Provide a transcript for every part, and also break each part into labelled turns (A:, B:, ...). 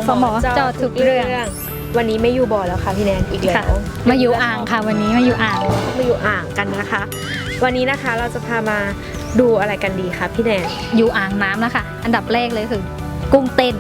A: สมจอทุกเรื่อง
B: วันนี้ไม่อยู่บ่อแล้วค่ะพี่แนนอีกแล้ว
A: มาอยู่อ่างค่ะวันนี้มาอยู่อ่าง
B: กันนะคะ วันนี้นะคะเราจะพามาดูอะไรกันดีคะพี่แนน
A: อยู่อ่างน้ำนะคะอันดับแรกเลยคือกุ้งเต้น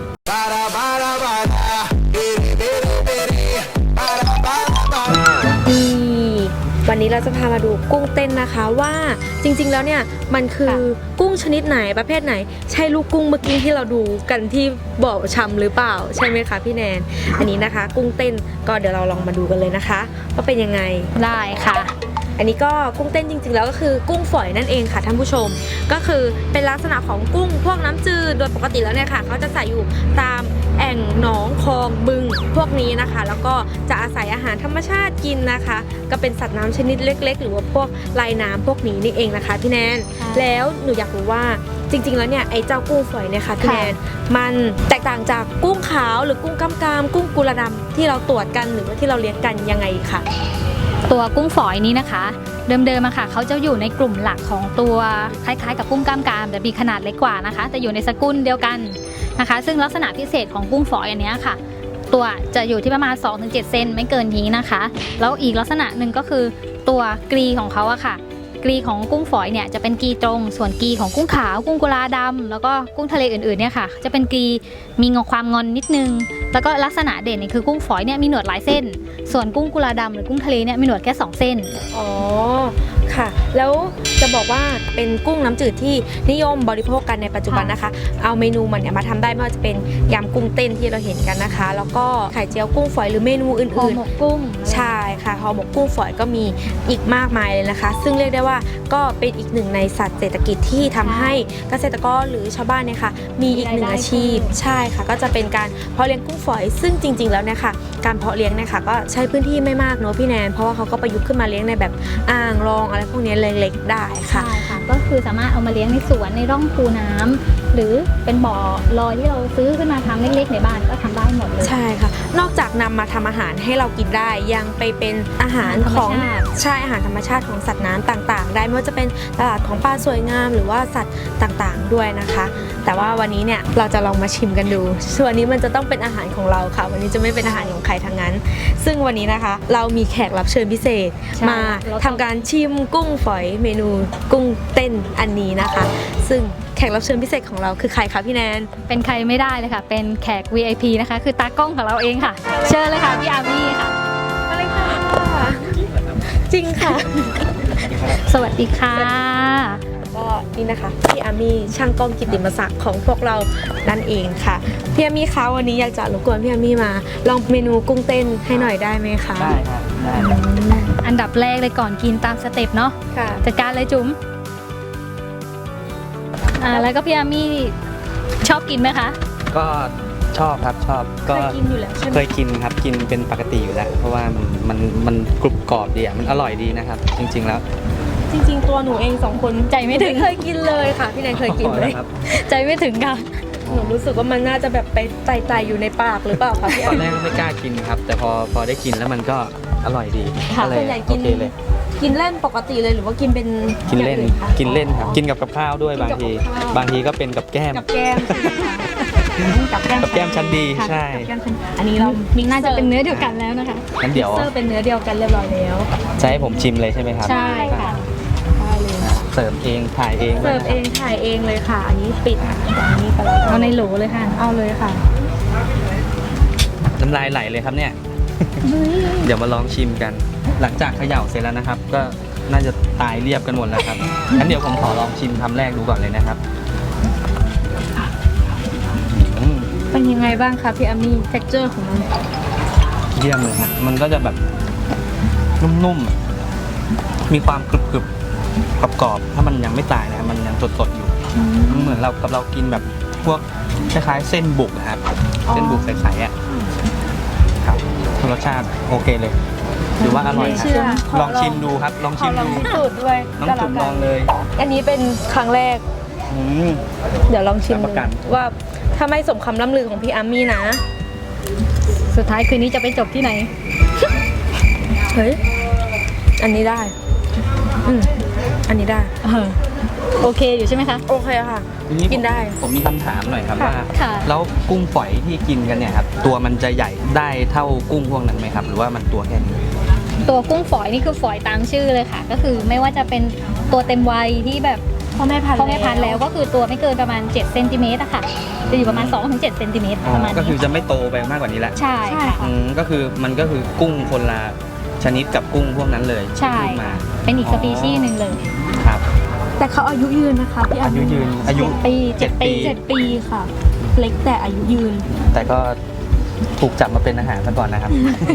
B: วันนี้เราจะพามาดูกุ้งเต้นนะคะว่าจริงๆแล้วเนี่ยมันคือกุ้งชนิดไหนประเภทไหนใช่ลูกกุ้งเมื่อกี้ที่เราดูกันที่บ่อชำหรือเปล่าใช่ไหมคะพี่แนนอันนี้นะคะกุ้งเต้นก็เดี๋ยวเราลองมาดูกันเลยนะคะว่าเป็นยังไง
A: ได้ค่ะ
B: อันนี้ก็กุ้งเต้นจริงๆแล้วก็คือกุ้งฝอยนั่นเองค่ะท่านผู้ชมก็คือเป็นลักษณะของกุ้งพวกน้ำจืดโดยปกติแล้วเนี่ยค่ะเขาจะใส่อยู่ตามแอ่งหนองคลองบึงพวกนี้นะคะแล้วก็จะอาศัยอาหารธรรมชาติกินนะคะก็เป็นสัตว์น้ำชนิดเล็กๆหรือว่าพวกลายน้ำพวกนี้นี่เองนะคะพี่แนนแล้วหนูอยากรู้ว่าจริงๆแล้วเนี่ยไอ้เจ้ากุ้งฝอยเนี่ยค่ะพี่แนนมันแตกต่างจากกุ้งขาวหรือกุ้งกำกามกุ้งกุลาดำที่เราตรวจกันหรือว่าที่เราเลี้ยงกันยังไงค่ะ
A: ตัวกุ้งฝอยนี้นะคะเดิมๆอะค่ะเขาจะอยู่ในกลุ่มหลักของตัวคล้ายๆกับกุ้งกล้ามกรามแต่มีขนาดเล็กกว่านะคะแต่อยู่ในสกุลเดียวกันนะคะซึ่งลักษณะพิเศษของกุ้งฝอยอันนี้ค่ะตัวจะอยู่ที่ประมาณ 2-7 เซนไม่เกินนี้นะคะแล้วอีกลักษณะหนึ่งก็คือตัวกรีของเขาอะค่ะกรีของกุ้งฝอยเนี่ยจะเป็นกรีตรงส่วนกรีของกุ้งขาวกุ้งกุลาดำแล้วก็กุ้งทะเลอื่นๆเนี่ยค่ะจะเป็นกรีมีความงอนนิดนึงแล้วก็ลักษณะเด่นเนี่ยคือกุ้งฝอยเนี่ยมีหนวดหลายเส้นส่วนกุ้งกุลาดำหรือกุ้งทะเลเนี่ยมีหนวดแค่2เส้น
B: อ๋อค่ะแล้วจะบอกว่าเป็นกุ้งน้ำจืดที่นิยมบริโภคกันในปัจจุบันนะคะเอาเมนูมันเนี่ยมาทำได้ไม่ว่าจะเป็นยำกุ้งเต้นที่เราเห็นกันนะคะแล้วก็ไข่เจียวกุ้งฝอยหรือเมนูอื่นๆห่อ
A: หมกกุ้ง
B: ใช่ค่ะห่อหมกกุ้งฝอยก็มีอีกมากมายเลยนะคะซึ่งเรียกได้ว่าก็เป็นอีกหนึ่งในสัตว์เศรษฐกิจที่ทำให้เกษตรกรหรือชาวบ้านเนี่ยค่ะมีอีกหนึ่งอาชีพใช่ค่ะก็จะเป็นการเพาะเลี้ยงกุ้งฝอยซึ่งจริงๆแล้วเนี่ยค่ะการเพาะเลี้ยงเนี่ยค่ะก็ใช้พื้นที่ไม่มากเนอะพี่แนนเพราะว่าเขาก็ประยุกต์ขึ้นมาเลี้ยงในแบบอ่างรองอะไรพวกนี้เล็กๆได้ค่ะ
A: ใช่ค่ะก็คือสามารถเอามาเลี้ยงในสวนในร่องคูน้ำหรือเป็นบ่อลอยที่เราซื้อขึ้นมาทำเล็กๆในบ้านก็ทำได้หมดเลย
B: ใช่ค่ะนอกจากนำมาทำอาหารให้เรากินได้ยังไปเป็นอาหารของใช่อาหารธรรมชาติของสัตว์น้ำต่างๆได้ไม่ว่าจะเป็นตลาดของปลาสวยงามหรือว่าสัตว์ต่างๆด้วยนะคะแต่ว่าวันนี้เนี่ยเราจะลองมาชิมกันดูส่วนนี้มันจะต้องเป็นอาหารของเราค่ะวันนี้จะไม่เป็นอาหารของใครทั้งนั้นซึ่งวันนี้นะคะเรามีแขกรับเชิญพิเศษมาทำการชิมกุ้งฝอยเมนูกุ้งเต้นอันนี้นะคะซึ่งแขกรับเชิญพิเศษของเราคือใครคะพี่แนน
A: เป็นใครไม่ได้เลยค่ะเป็นแขก VIP นะคะคือตากล้องของเราเองค่ะเชิญเลยค่ะพี่อามี่ค่ะ
B: มาเลยค่ะจริงค่ะ
A: สวัสดีค่ะ
B: ก็นี่นะคะพี่อามี่ช่างกล้องกิตติมศักดิ์ของพวกเรานั่นเองค่ะพี่อามี่คะวันนี้อยากจะรบกวนพี่อามี่มาลองเมนูกุ้งเต้นให้หน่อยได้ไหมคะ
C: ได้ครับได้
A: อันดับแรกเลยก่อนกินตามสเต็ปเนาะจัดการเลยจุ๋มแล้วก็พี่อามี่ชอบกินไหมคะ
C: ก็ชอบครับชอบ
B: ก็เคยกินอยู่แล้วใช่ไหม
C: เคยกินครับกินเป็นปกติอยู่แล้วเพราะว่ามันกรุบกรอบดีอ่ะมันอร่อยดีนะครับจริงๆแล้ว
B: จริงๆตัวหนูเอง2คน
A: ใจไม่ถึง
B: เคยกินเลยค่ะพี่แนนเคยกินเลย
A: ใจไม่ถึงค่ะ
B: หนูรู้สึกว่ามันน่าจะแบบไปไต่อยู่ในปากหรือเปล่าคะพี่
C: ตอนแรกไม่กล้ากินครับแต่พอได้กินแล้วมันก็อร่อยดี
B: ก็เลยโอเคเลยกินเล่นปกติเลยหรือว่ากินเป็น
C: กินเล่นครับกินกับข้าวด้วยบางทีก็เป็นกับแก้ม
B: กับแก้
C: มชั้นดีใช่
B: อันนี้เรา
A: น่าจะเป็นเนื้อเดียวกันแล้วนะคะ
C: งั้นเดี๋ยว
B: เป็นเนื้อเดียวกันเรียบร้อยแล้ว
C: จะให้ผมชิมเลยใช่ไหมครับ
A: ใช่ค่ะ
C: เสิร์ฟเองถ่ายเอง
B: เลยค่ะอันนี้ปิดอันนี้ไปแล้ว
A: เอาในโหลเลยค่ะ
B: เอาเลยค่ะ
C: น้ำลายไหลเลยครับเนี่ยเดี๋ยวมาลองชิมกันหลังจากเขย่าเสร็จแล้วนะครับก็น่าจะตายเรียบกันหมดแล้วครับงั้นเดี๋ยวผมขอลองชิมคำแรกดูก่อนเลยนะครับ
B: เป็นยังไงบ้างคะพี่อามี่ texture ของมัน
C: เยี่ยมเลยครับมันก็จะแบบนุ่มๆมีความกรึบๆกรอบๆถ้ามันยังไม่ตายนะมันยังสดๆอยู่มันเหมือนเรากินแบบพวกคล้ายๆเส้นบุกนะครับเส้นบุกใสๆอ่ะครับรสชาติโอเคเลยหรือว่าอร่อยครับลองชิมดูครับลองชิมดู
B: สูตรด้วย
C: น้องจุ๋มลองเลย
B: อันนี้เป็นครั้งแรกเดี๋ยวลองชิมว่าถ้าไม่สมคำล่ำลือของพี่อามี่นะ
A: สุดท้ายคืนนี้จะไปจบที่ไหน
B: เฮ้ยอันนี้ได้อันนี้ได้
A: โอเคอยู่ใช่ไหมคะ
B: โอเคค่ะ
C: ทีนี้
B: กินได้
C: ผมมีคำถามหน่อยครับ
B: ค่ะ
C: ว่า
A: ค่ะ
C: แล้วกุ้งฝอยที่กินกันเนี่ยครับตัวมันจะใหญ่ได้เท่ากุ้งพวกนั้นไหมครับ หรือว่ามันตัวแค่นี้
A: ตัวกุ้งฝอยนี่คือฝอยตามชื่อเลยค่ะ ก็คือไม่ว่าจะเป็นตัวเต็มวัยที่แบบ
B: พ่อแม่พันธุ์
A: พ่อแม่พันธุ์แล้วก็คือตัวไม่เกินประมาณ7เซนติเมตรอะค่ะจะอยู่ประมาณ2-7เซนติเมตรประมาณ
C: ก็คือ
A: นี้
C: จะไม่โตไปมากกว่านี้ละ
A: ใช่ค่ะ
C: ก็คือมันก็คือกุ้งคนละชนิดกับกุ้งพวกนั้นเลย
A: ใช่
C: ที่พูดมา
A: เป็นอีกสปีชีส์หนึ่งเลย
C: ครับ
B: แต่เขาอายุยืนนะคะพี่
C: อายุยืนอายุ
A: ปี7 ปี
B: 7 ปีค่ะ เล็กแต่อายุยืน
C: แต่ก็ถูกจับมาเป็นอาหารซะก่อนนะครับ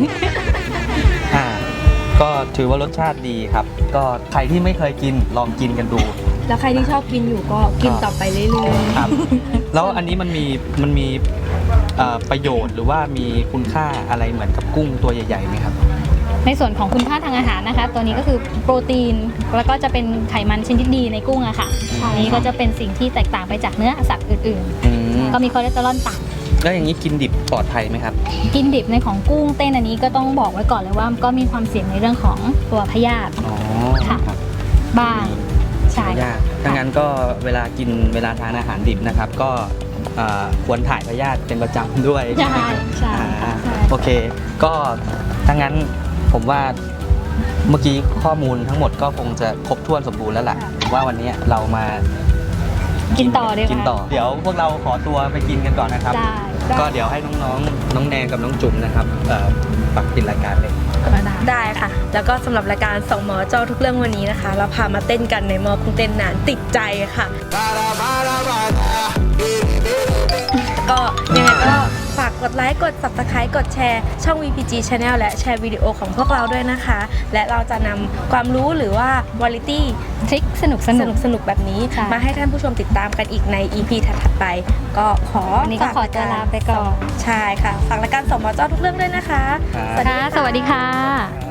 C: ก็ถือว่ารสชาติดีครับ ก็ใครที่ไม่เคยกินลองกินกันดู
B: แล้วใครที่ชอบกินอยู่ก็กินต่อไปเรื่อย
C: ครับ แล้วอันนี้มันมีประโยชน์หรือว่ามีคุณค่าอะไรเหมือนกับกุ้งตัวใหญ่ๆไหมครับ
A: ในส่วนของคุณค่าทางอาหารนะคะ ตัวนี้ก็คือโปรตีนแล้วก็จะเป็นไขมันชนิดดีในกุ้งอะค่ะอันนี้ก็จะเป็นสิ่งที่แตกต่างไปจากเนื้อสัตว์อื่น
C: อืม
A: ๆ ก็มีคอเลสเตอรอลต่ำ
C: แล้วอย่างนี้กินดิบปลอดภัยไหมครับ
A: กินดิบในของกุ้งเต้นอันนี้ก็ต้องบอกไว้ก่อนเลยว่าก็มีความเสี่ยงในเรื่องของตัวพยาธิ
C: อ๋อ
A: ค่ะ
C: ครับ
A: บ้างใช่
C: ยากถ้างั้นก็เวลาทานอาหารดิบนะครับ ก็ควรถ่ายพยาธิเป็นประจำด้วย
A: ใช่ใช่
C: อ่า
A: ใช่
C: โอเค ก็ถ้างั้นผมว่าเมื่อกี้ข้อมูลทั้งหมดก็คงจะครบถ้วนสมบูรณ์แล้วล่ะว่าวันนี้เรามา
A: กินต่อดีกว่า
C: กินต่อ เดี๋ยวพวกเราขอตัวไปกินกันก่อนนะครับ
A: ได้
C: ก็เดี๋ยวให้น้องแนนกับน้องจุ๋มนะครับปักปิดรายการเลย
B: ๆ ได้ค่ะ แล้วก็สำหรับรายการสองหมอเจ้าทุกเรื่องวันนี้นะคะ เราพามาเต้นกันในมอกุ้งเต้นนานติดใจค่ะ ก็ยังไงก็ฝากกดไลค์กด Subscribe กดแชร์ช่อง VPG Channel และแชร์วิดีโอของพวกเราด้วยนะคะ และเราจะนำความรู้หรือว่าวาไรตี้
A: ทริคสนุก
B: สนุกๆแบบนี้
A: ใช่
B: มาให้ท่านผู้ชมติดตามกันอีกใน EP ถัดๆไป ก็ขอ
A: วันนี้ก็ขอตัวลาไปก่อน
B: ใช่ค่ะ ฝากรายการสองหมอเจ้าทุกเรื่องด้วยนะคะ
C: ครับ
A: ค่ะสวัสดีค่ะ
C: ครับ